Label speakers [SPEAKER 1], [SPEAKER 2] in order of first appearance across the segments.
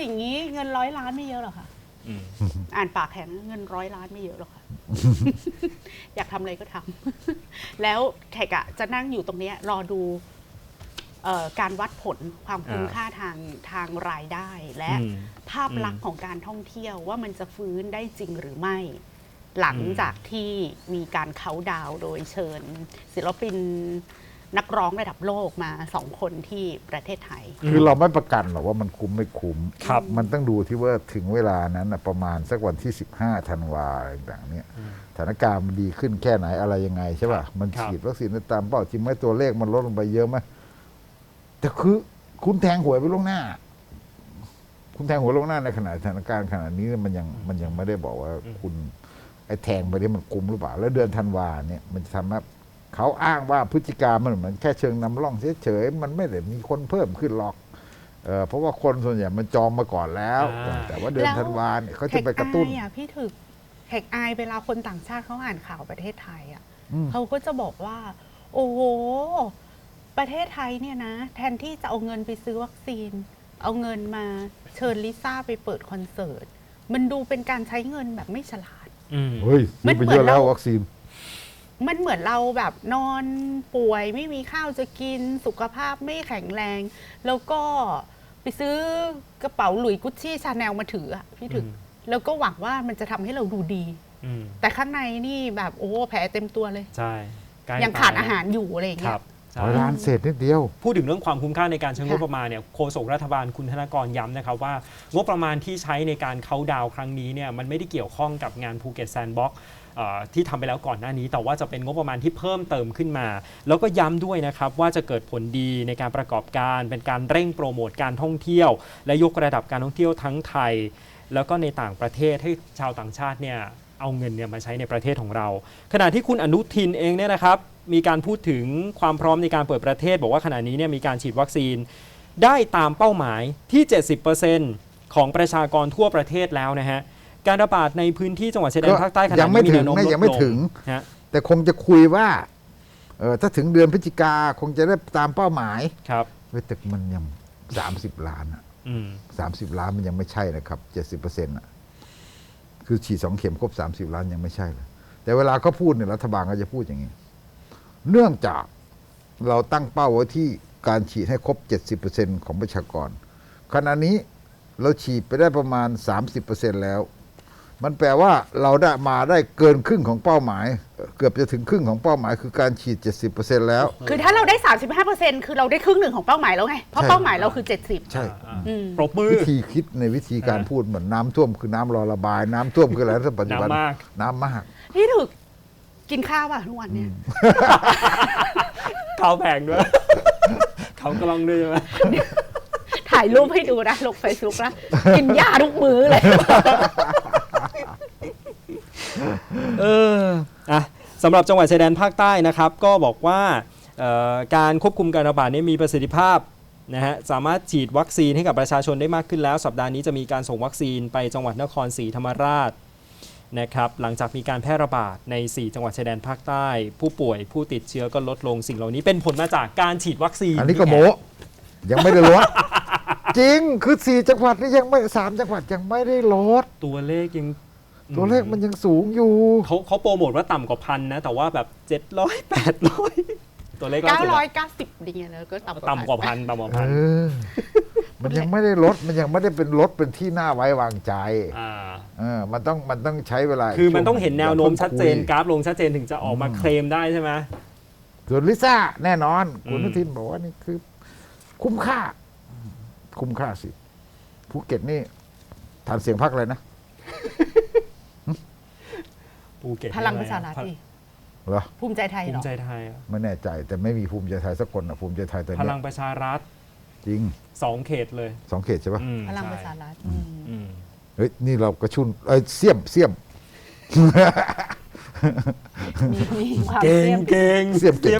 [SPEAKER 1] อย่างนี้เงิน100 ล้านไม่เยอะหรอกค่ะอ่านปากแข็งเงิน100 ล้านไม่เยอะหรอกค่ะ อยากทำอะไรก็ทำ แล้วแขกอะจะนั่งอยู่ตรงนี้รอดูการวัดผลความคุ้มค่าทางรายได้ และภาพลักษณ์ของการท่องเที่ยวว่ามันจะฟื้นได้จริงหรือไม่ หลังจากที่มีการเค้าดาวน์โดยเชิญศิลปินนักร้องระดับโลกมา2 คนที่ประเทศไทย
[SPEAKER 2] คือเราไม่ประกันหรอกว่ามันคุ้มไม่คุ้ม
[SPEAKER 3] ครับ
[SPEAKER 2] มันต้องดูที่ว่าถึงเวลานั้นน่ะประมาณสักวันที่15 ธันวาอะไรต่างๆเนี่ยสถานการณ์มันดีขึ้นแค่ไหนอะไรยังไงใช่ป่ะมันฉีดวัคซีนได้ตามเป้าจริงไหมตัวเลขมันลดลงไปเยอะไหมแต่คือคุณแทงหวยไปล่วงหน้า คุณแทงหวยล่วงหน้าในขณะสถานการณ์ขณะนี้มันยังไม่ได้บอกว่าคุณไอ้แทงไปนี่มันคุ้มหรือเปล่าแล้วเดือนธันวาเนี่ยมันจะทำให้เขาอ้างว่าพฤติการมันเหมือนแค่เชิงนำร่องเฉยๆมันไม่ได้มีคนเพิ่มขึ้นหรอกเพราะว่าคนส่วนใหญ่มันจองมาก่อนแล้ว แต่ว่าเดือนธันวาเนี่ยเขาจะไปกระตุ้น
[SPEAKER 1] พี่ถึกแขกอายเวลาคนต่างชาติเขาอ่านข่าวประเทศไทยอ่ะเขาก็จะบอกว่าโอ้โหประเทศไทยเนี่ยนะแทนที่จะเอาเงินไปซื้อวัคซีนเอาเงินมาเชิญลิซ่าไปเปิดคอนเสิร์ตมันดูเป็นการใช้เงินแบบไม่ฉลาด
[SPEAKER 2] เฮ้ยมันไปเยอะแล้ววัคซีน
[SPEAKER 1] มันเหมือนเราแบบนอนป่วยไม่มีข้าวจะกินสุขภาพไม่แข็งแรง แล้วก็ไปซื้อกระเป๋าหลุยส์กุชชี่ชาแนลมาถืออะพี่ถึงแล้วก็หวังว่ามันจะทำให้เราดูดีแต่ข้างในนี่แบบโอ้แผลเต็มตัวเลย
[SPEAKER 3] ใช่
[SPEAKER 1] ยังขาดอาหารอยู่อะไรอย่างเงี้ย
[SPEAKER 2] ร้านเศษนิดเดียว
[SPEAKER 3] พูดถึงเรื่องความคุ้มค่าในการใช้งบประมาณเนี่ยโฆษกรัฐบาลคุณธนกรย้ำนะครับว่างบประมาณที่ใช้ในการเค้าดาวครั้งนี้เนี่ยมันไม่ได้เกี่ยวข้องกับงานภูเก็ตแซนด์บ็อกซ์ที่ทำไปแล้วก่อนหน้านี้แต่ว่าจะเป็นงบประมาณที่เพิ่มเติมขึ้นมาแล้วก็ย้ำด้วยนะครับว่าจะเกิดผลดีในการประกอบการเป็นการเร่งโปรโมทการท่องเที่ยวและยกระดับการท่องเที่ยวทั้งไทยแล้วก็ในต่างประเทศให้ชาวต่างชาติเนี่ยเอาเงินเนี่ยมาใช้ในประเทศของเราขณะที่คุณอนุทินเองเนี่ยนะครับมีการพูดถึงความพร้อมในการเปิดประเทศบอกว่าขณะนี้เนี่ยมีการฉีดวัคซีนได้ตามเป้าหมายที่ 70% ของประชากรทั่วประเทศแล้วนะฮะการระบาดในพื้นที่จังหวัดชายแดนภาคใต้ขณะนี้มีแนวโน้มลดลงยังไม่ถึง
[SPEAKER 2] แต่คงจะคุยว่าถ้าถึงเดือนพฤศจิกาคงจะได้ตามเป้าหมาย
[SPEAKER 3] ครับ
[SPEAKER 2] แต่มันยัง30 ล้านอ่ะ30 ล้านมันยังไม่ใช่นะครับ70%อ่ะคือฉีด2 เข็มครบ30 ล้านยังไม่ใช่เลยแต่เวลาเขาพูดเนี่ยรัฐบาลก็จะพูดอย่างนี้เนื่องจากเราตั้งเป้าไว้ที่การฉีดให้ครบ 70% ของประชากรขณะนี้เราฉีดไปได้ประมาณ 30% แล้วมันแปลว่าเราได้เกินครึ่งของเป้าหมายเกือบจะถึงครึ่งของเป้าหมายคือการฉีด 70% แล้ว
[SPEAKER 1] คือถ้าเราได้ 35% คือเราได้ครึ่งหนึ่งของเป้าหมายแล้วไงเพราะเป้าหมายเราคือ70
[SPEAKER 2] ใช่
[SPEAKER 3] ปรบมือ
[SPEAKER 2] วิธีคิดในวิธีการพูดเหมือนน้ำท่วมคือน้ำรอระบายน้ำท่วมคืออะไรในปัจจุบันน้ำมาก
[SPEAKER 1] พี่ถึกกินข้าวป่ะทุกวันเนี่ย
[SPEAKER 3] ข้าวแพงด้วยเขากล้องด้วยใช่ไหม
[SPEAKER 1] ถ่ายรูปให้ดูนะลงเฟซบุ๊กนะกินยาทุกมื้อเลย
[SPEAKER 3] สำหรับจังหวัดชายแดนภาคใต้นะครับก็บอกว่าการควบคุมการระบาดนี้มีประสิทธิภาพนะฮะสามารถฉีดวัคซีนให้กับประชาชนได้มากขึ้นแล้วสัปดาห์นี้จะมีการส่งวัคซีนไปจังหวัดนครศรีธรรมราชนะครับหลังจากมีการแพร่ระบาดใน4จังหวัดชายแดนภาคใต้ผู้ป่วยผู้ติดเชื้อก็ลดลงสิ่งเหล่านี้เป็นผลมาจากการฉีดวัคซีน
[SPEAKER 2] อันนี้ก็โมยังไม่ได้ลดจริงคือ4 จังหวัดนี่ยังไม่3 จังหวัดยังไม่ได้ลด
[SPEAKER 3] ตัวเลข
[SPEAKER 2] มันยังสูงอยู่
[SPEAKER 3] เขาโปรโมทว่าต่ำกว่า1,000นะแต่ว่าแบบ700 800ตัวเลข
[SPEAKER 1] 990ดีแล้วก็
[SPEAKER 3] ต่ำกว่า1,000ต่ำกว่า1,000
[SPEAKER 2] มันยังไม่ได้ลดมันยังไม่ได้เป็นลดเป็นที่น่าไว้วางใจมันต้องใช้เวลา
[SPEAKER 3] คือมันต้องเห็นแนวโน้มชัดเจนกราฟลงชัดเจนถึงจะออกมาเคลมได้ใช่ไหม
[SPEAKER 2] ส่วนลิซ่าแน่นอนคุณนุทินบอกว่านี่คือคุ้มค่าสิภูเก็ตนี่ฐานเสียงพรรคอะไรนะ
[SPEAKER 3] ภูเก็ต
[SPEAKER 1] พลังประชารัฐ
[SPEAKER 2] เหรอ
[SPEAKER 1] ภูมิใจไทย
[SPEAKER 3] ภูมิใจไทย
[SPEAKER 2] ไม่แน่ใจแต่ไม่มีภูมิใจไทยสักคนนะภูมิใจไทยตอนนี้
[SPEAKER 3] พลังประชารัฐ
[SPEAKER 2] จริง
[SPEAKER 3] 2 เขตเลย
[SPEAKER 2] 2 เขตใช่ปะ
[SPEAKER 1] พลังประชารัฐ
[SPEAKER 2] เฮ้ยนี่เรากระชุนเสี่ยม
[SPEAKER 3] เก่ง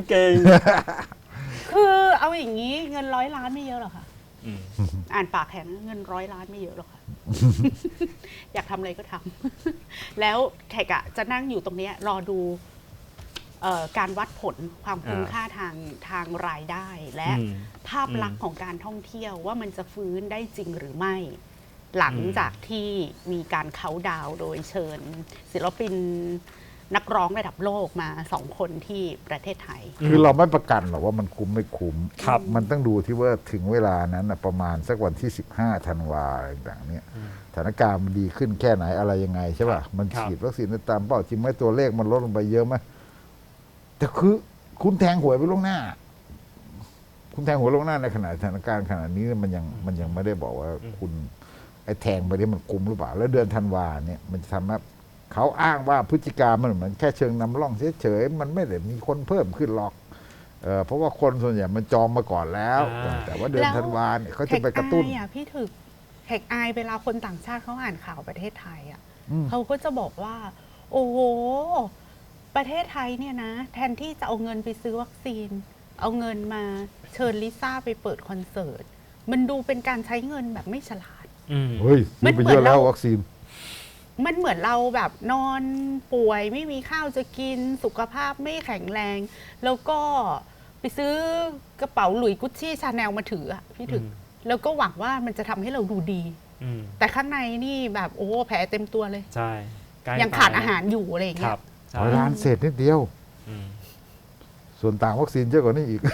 [SPEAKER 1] คือเอาอย่างนี้เงิน100 ล้านไม่เยอะหรอกค่ะอ่านปากแข็งเงิน100 ล้านไม่เยอะหรอกค่ะ อยากทำอะไรก็ทำ แล้วแขกอะจะนั่งอยู่ตรงนี้รอดูการวัดผลความคุ้มค่าทางรายได้ และภาพลักษณ์ของการท่องเที่ยวว่ามันจะฟื้นได้จริงหรือไม่หลังจากที่มีการเค้าน์ดาวน์โดยเชิญศิลปินนักร้องระดับโลกมา2 คนที่ประเทศไทย
[SPEAKER 2] คือเราไม่ประกันหรอกว่ามันคุ้มไม่คุ้ม
[SPEAKER 3] ครับ
[SPEAKER 2] มันต้องดูที่ว่าถึงเวลานั้นน่ะประมาณสักวันที่15 ธันวาอะไรต่างๆเนี่ยสถานการณ์มันดีขึ้นแค่ไหนอะไรยังไงใช่ป่ะมันฉีดวัคซีนได้ตามเป้าจริงไหมตัวเลขมันลดลงไปเยอะไหมแต่คือคุณแทงหวยไปล่วงหน้า คุณแทงหวยล่วงหน้าในขณะสถานการณ์ขนาดนี้มันยังไม่ได้บอกว่าคุณไอ้แทงไปนี่มันคุ้มหรือเปล่าแล้วเดือนธันวาเนี่ยมันจะทำให้เขาอ้างว่าพฤติการมันเหมือนแค่เชิงนำร่องเฉยๆมันไม่ได้มีคนเพิ่มขึ้นหรอกเพราะว่าคนส่วนใหญ่มันจองมาก่อนแล้ว แต่ว่าเดือนธันวาเนี่ยเขาจะไปกระตุ้น
[SPEAKER 1] แขกอายพี่ถึกแขกอายเวลาคนต่างชาติเขาอ่านข่าวประเทศไทยอ่ะ
[SPEAKER 2] อืม
[SPEAKER 1] เขาก็จะบอกว่า โอ้โหประเทศไทยเนี่ยนะ แทนที่จะเอาเงินไปซื้อวัคซีน เอาเงินมาเชิญลิซ่าไปเปิดคอนเสิร์ตมันดูเป็นการใช้เงินแบบไม่ฉลาด
[SPEAKER 2] เฮ้ยซื้อไปเยอะแล้ววัคซีน
[SPEAKER 1] มันเหมือนเราแบบนอนป่วยไม่มีข้าวจะกินสุขภาพไม่แข็งแรง แล้วก็ไปซื้อกระเป๋าหลุยส์กุชชี่ชาแนลมาถืออะพี่ถึก แล้วก็หวังว่ามันจะทำให้เราดูดี แต่ข้างในนี่แบบโอ้แผลเต็มตัวเลย
[SPEAKER 3] ใช่ใกล้
[SPEAKER 1] ยังขาด
[SPEAKER 3] ตย
[SPEAKER 1] อาหารอยู่อะไรอย่าง
[SPEAKER 3] ค
[SPEAKER 1] เงี้
[SPEAKER 3] รั
[SPEAKER 1] ย
[SPEAKER 3] บใช่
[SPEAKER 2] 100 ล้านเศษนิดเดียว ส่วนต่างวัคซีนเยอะกว่านี้อีก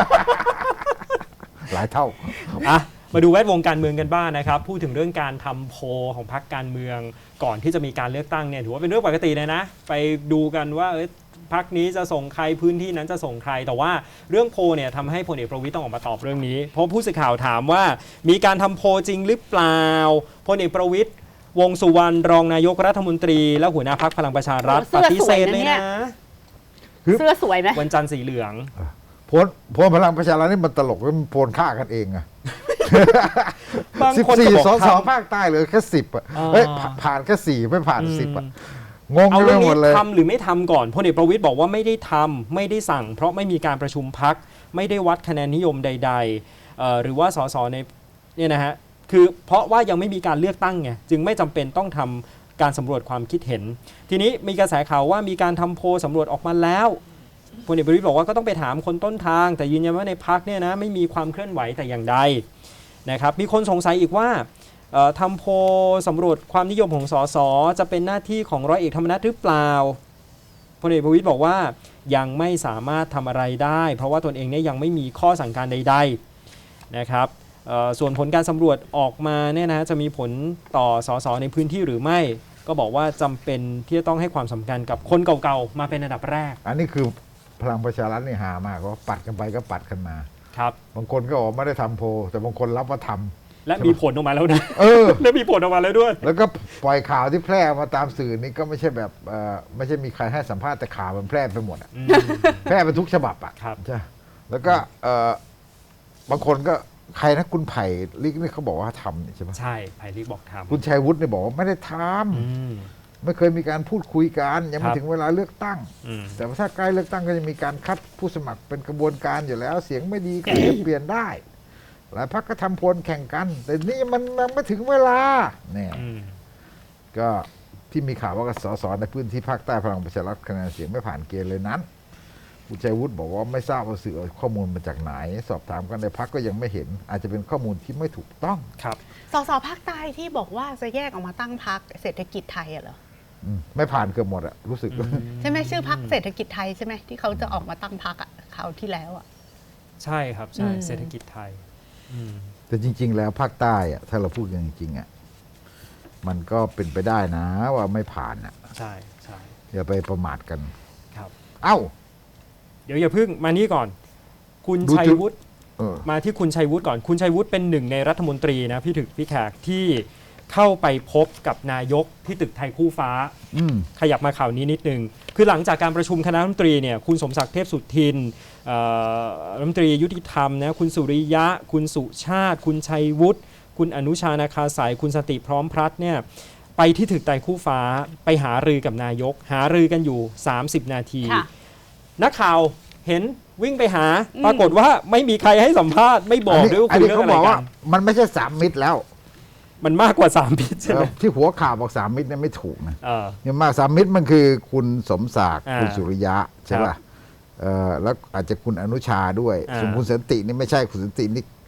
[SPEAKER 2] หลายเท่า
[SPEAKER 3] อ่ะมาดูแวดวงการเมืองกันบ้างนะครับ พูดถึงเรื่องการทำโพลของพรรคการเมืองก่อนที่จะมีการเลือกตั้งเนี่ยถือว่าเป็นเรื่องปกติเลยนะ ไปดูกันว่าพรรคนี้จะส่งใครพื้นที่นั้นจะส่งใคร แต่ว่าเรื่องโพลเนี่ยทำให้พลเอกประวิตรต้องออกมาตอบเรื่องนี้ เพราะผู้สื่อข่าวถามว่ามีการทำโพลจริงหรือเปล่าพลเอกประวิตรวงษ์สุวรรณรองนายกรัฐมนตรีและหัวหน้าพรรคพลังประชารัฐ
[SPEAKER 1] เสื้
[SPEAKER 3] ป
[SPEAKER 1] อ
[SPEAKER 3] ฏิเสธเลย
[SPEAKER 1] สวยนะเนี่
[SPEAKER 3] นะ
[SPEAKER 1] ย เสื้อสวยไหม
[SPEAKER 3] วันจันทร์สีเหลือง
[SPEAKER 2] โพลพลังประชารัฐนี่มันตลกมันโพลฆ่ากันเองอะ
[SPEAKER 3] บางคนก็บอก
[SPEAKER 2] 14 สส
[SPEAKER 3] ทำ
[SPEAKER 2] ภาคใต้เหลือแค่10อะ
[SPEAKER 3] อ่า
[SPEAKER 2] เฮ้ยผ่านแค่4ไม่ผ่าน10อะงง
[SPEAKER 3] เอา
[SPEAKER 2] ไป
[SPEAKER 3] เรื่อง
[SPEAKER 2] หม
[SPEAKER 3] นี้
[SPEAKER 2] ดเลย
[SPEAKER 3] ทำหรือไม่ทำก่อนพลเอกประวิตรบอกว่าไม่ได้ทำไม่ได้สั่ง เพราะไม่มีการประชุมพักไม่ได้วัดคะแนนนิยมใดๆหรือว่าสสในเนี่ยนะฮะคือเพราะว่ายังไม่มีการเลือกตั้งไงจึงไม่จำเป็นต้องทำการสำรวจความคิดเห็น ทีนี้มีกระแสข่าวว่ามีการทำโพลสำรวจออกมาแล้วพลเอกประวิตรบอกว่าก็ต้องไปถามคนต้นทาง แต่ยืนยันว่าในพักเนี่ยนะไม่มีความเคลื่อนไหวแต่อย่างใดนะครับมีคนสงสัยอีกว่าทำโพลสำรวจความนิยมของสสจะเป็นหน้าที่ของร้อยเอกธรรมนัฐหรือเปล่าพลเอกประวิตรบอกว่ายังไม่สามารถทำอะไรได้ เพราะว่าตนเองเนี่ยยังไม่มีข้อสั่งการใดๆนะครับส่วนผลการสำรวจออกมาเนี่ยนะจะมีผลต่อสสในพื้นที่หรือไม่ ก็บอกว่าจำเป็นที่จะต้องให้ความสำคัญกับคนเก่าๆมาเป็นอันดับแรก
[SPEAKER 2] อันนี้คือพลังประชารัฐนี่หามากว่าปัดกันไปก็ปัดกันมา
[SPEAKER 3] ครับ
[SPEAKER 2] บางคนก็บอกไม่ได้ทำโพลแต่บางคนรับว่าทำ
[SPEAKER 3] และมีผลออกมาแล้วนะ และมีผลออกมาแล้วด้วย
[SPEAKER 2] แล้วก็ปล่อยข่าวที่แพร่มาตามสื่อนี่ก็ไม่ใช่แบบไม่ใช่มีใครให้สัมภาษณ์แต่ข่าวมันแพร่ไปหมดอะแพร่ไปทุกฉบับอ่ะ
[SPEAKER 3] ครับ
[SPEAKER 2] ใช่แล้วก็บางคนก็ใครนะคุณไผ่ลิกนี่เขาบอกว่าทำนี่ใช่ไหม
[SPEAKER 3] ใช่ไผ่ลิกบอกทำ
[SPEAKER 2] คุณชัยวุฒิเนี่ยบอกว่าไม่ได้ทำไม่เคยมีการพูดคุยกันยังไม่ถึงเวลาเลือกตั้ง แต่ว่าถ้าใกล้เลือกตั้งก็จะมีการคัดผู้สมัครเป็นกระบวนการอยู่แล้ว เสียงไม่ดีก็จะเปลี่ยนได้ หลายพรรคก็ทำโพลแข่งกัน แต่นี่มันไม่ถึงเวลาเนี่ยก็ที่มีข่าวว่าสสในพื้นที่ภาคใต้พลังประชารัฐคะแนนเสียงไม่ผ่านเกณฑ์เลยนั้นคุณชัยวุฒิบอกว่าไม่ทราบว่าสื่อเอาข้อมูลมาจากไหน สอบถามกันในพรรคก็ยังไม่เห็น อาจจะเป็นข้อมูลที่ไม่ถูกต้อง
[SPEAKER 3] ครับ
[SPEAKER 1] สสภาคใต้ที่บอกว่าจะแยกออกมาตั้งพรรคเศรษฐกิจไทยอะเหรอ
[SPEAKER 2] ไม่ผ่านเกือบหมดอะรู้สึก
[SPEAKER 1] ใช่ไหมชื่อพรรคเศรษฐกิจไทยใช่ไหมที่เขาจะออกมาตั้งพรรคอะคราวที่แล้วอะ
[SPEAKER 3] ใช่ครับใช่เศรษฐกิจไทย
[SPEAKER 2] แต่จริง ๆ แล้วภาคใต้อะถ้าเราพูดกันจริงๆอะมันก็เป็นไปได้นะว่าไม่ผ่านอะ
[SPEAKER 3] ใช่ใช่
[SPEAKER 2] อย่าไปประมาทกัน
[SPEAKER 3] ครับ
[SPEAKER 2] เอ้า
[SPEAKER 3] เดี๋ยวอย่าเพิ่งมานี่ก่อน คุณ
[SPEAKER 2] ดู
[SPEAKER 3] ชัย
[SPEAKER 2] จุด
[SPEAKER 3] วุฒิ
[SPEAKER 2] เออ
[SPEAKER 3] มาที่คุณชัยวุฒิก่อนคุณชัยวุฒิเป็นหนึ่งในรัฐมนตรีนะพี่ถึกพี่แขกที่เข้าไปพบกับนายกที่ตึกไทยคู่ฟ้า ขยับมาข่าวนี้นิดนึงคือหลังจากการประชุมคณะรัฐมนตรีเนี่ยคุณสมศักดิ์เทพสุทินรัฐมนตรียุติธรรมนะคุณสุริยะ คุณสุชาติ คุณชัยวุฒิคุณอนุชานาคาสายคุณสติพร้อมพลัดเนี่ยไปที่ตึกไทยคู่ฟ้าไปหารือกับนายกหารือกันอยู่30 นาที
[SPEAKER 1] ค่ะ
[SPEAKER 3] นักข่าวเห็นวิ่งไปหา ปรากฏว่าไม่มีใครให้สัมภาษณ์ไม่บอกด้วยว่าคุยเรื่องอะไร
[SPEAKER 2] เขาบอก
[SPEAKER 3] กั
[SPEAKER 2] ว่าน มันไม่ใช่สามมิตรแล้ว
[SPEAKER 3] มันมากกว่า3 พิษใช่ไหม
[SPEAKER 2] ที่หัวข่าวบอกสามมิตรเนี่ยไม่ถูกนะ
[SPEAKER 3] เออ
[SPEAKER 2] ยังมากสามมิตรมันคือคุณสมศักดิ์
[SPEAKER 3] อ่า
[SPEAKER 2] คุณสุริยะใช่ป่ะแล้วอาจจะคุณอนุชาด้วย
[SPEAKER 3] อ่า
[SPEAKER 2] ส่วนคุณสันตินี่ไม่ใช่คุณสันตินี่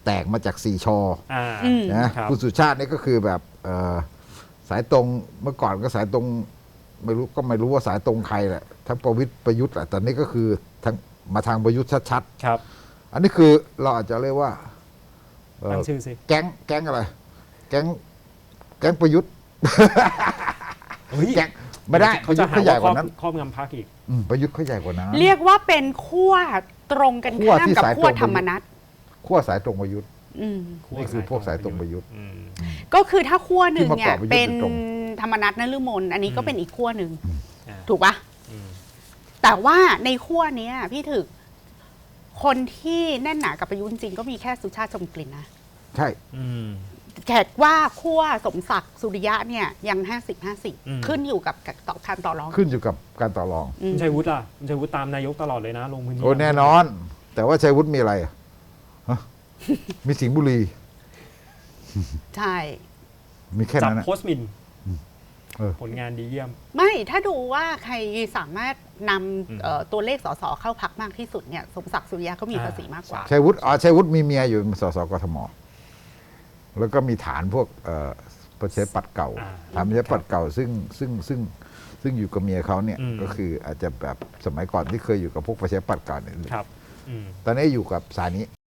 [SPEAKER 2] แตกมาจาก4ชอ
[SPEAKER 1] อืม
[SPEAKER 2] นะครับ คุณสุชาตินี่ก็คือแบบสายตรงเมื่อก่อนก็สายตรงไม่รู้ว่าสายตรงใครแหละทั้งประวิตรประยุทธ์แหละแต่นี่ก็คือทั้งมาทางประยุทธ์ชัด
[SPEAKER 3] ครับ
[SPEAKER 2] ๆอันนี้คือเราอาจจะเรียกว่าเอ่อ
[SPEAKER 3] ตั้งชื่อสิ
[SPEAKER 2] แก๊งอะไร แก๊งประยุทธ์
[SPEAKER 3] เฮ้ย
[SPEAKER 2] แก๊งไม่ได้ประยุทธ์เขาใหญ่กว่านั้น
[SPEAKER 3] ครอบงำพรรคอีก
[SPEAKER 2] ประยุทธ์เขาใหญ่กว่านั้น
[SPEAKER 1] เรียกว่าเป็นขั้วตรงกัน
[SPEAKER 2] ขั้ว
[SPEAKER 1] ข้าม
[SPEAKER 2] ที่
[SPEAKER 1] กับ
[SPEAKER 2] สาย
[SPEAKER 1] ขั้ว
[SPEAKER 2] ตรง
[SPEAKER 1] ธรรมนัต
[SPEAKER 2] ขั้วสายตรงประยุทธ์
[SPEAKER 1] อืม
[SPEAKER 2] นี่คือพวกสายตรงประยุทธ์
[SPEAKER 3] อืม
[SPEAKER 1] ก็คือถ้าขั้วหนึ่งเนี่
[SPEAKER 2] ที่
[SPEAKER 1] ย
[SPEAKER 2] มาเกาะประยุทธ์
[SPEAKER 1] เป็น
[SPEAKER 2] โดยตรง
[SPEAKER 1] ธรรมนัตนฤมลอันนี้ก็เป็นอีกขั้วหนึ่ง
[SPEAKER 3] อ่า
[SPEAKER 1] ถูกปะ
[SPEAKER 3] อืม
[SPEAKER 1] แต่ว่าในขั้วเนี้ยพี่ถึกคนที่แน่นหนากับประยุทธ์จริงๆก็มีแค่สุชาติชมกลิ่นนะ
[SPEAKER 2] ใช่
[SPEAKER 3] อืม
[SPEAKER 1] แขกว่าขั้วสมศักดิ์สุริยะเนี่ยยัง
[SPEAKER 3] อืม
[SPEAKER 1] 50-50 ขึ้นอยู่กับการต่อรอง
[SPEAKER 2] ขึ้นอยู่กับการต่อรอง
[SPEAKER 1] อืม
[SPEAKER 3] คุณชัยวุฒิล่ะคุณชัยวุฒิตามนายกตลอดเลยนะลงพื้นที่
[SPEAKER 2] โอ้แน่นอน แต่ว่าชัยวุฒิมีอะไรอะฮะมีสิงห์บุรี
[SPEAKER 1] ใช่
[SPEAKER 2] มีแค่
[SPEAKER 3] จับ
[SPEAKER 2] นั้นนะ
[SPEAKER 3] โพสต์หมิน
[SPEAKER 2] เออ
[SPEAKER 3] ผลงานดีเยี่ยม
[SPEAKER 1] ไม่ถ้าดูว่าใครสามารถน
[SPEAKER 3] อืม
[SPEAKER 1] ำตัวเลขสสเข้าพักมากที่สุดเนี่ยสมศักดิ์สุริยะเขามีภาษีมากกว่า
[SPEAKER 2] ชัยวุฒิมีเมียอยู่สสกทม แล้วก็มีฐานพวกประชาธิปัตย์เก่า
[SPEAKER 3] อ่า
[SPEAKER 2] ฐานประชาธิปัตย์เก่าซึ่งอยู่กับเมียเขาเนี่ย
[SPEAKER 3] อืม
[SPEAKER 2] ก็คืออาจจะแบบสมัยก่อนที่เคยอยู่กับพวกประชาธิปัตย์เก่าเนี่ย
[SPEAKER 3] ครับอืม
[SPEAKER 2] ตอนนี้อยู่กับสายนี้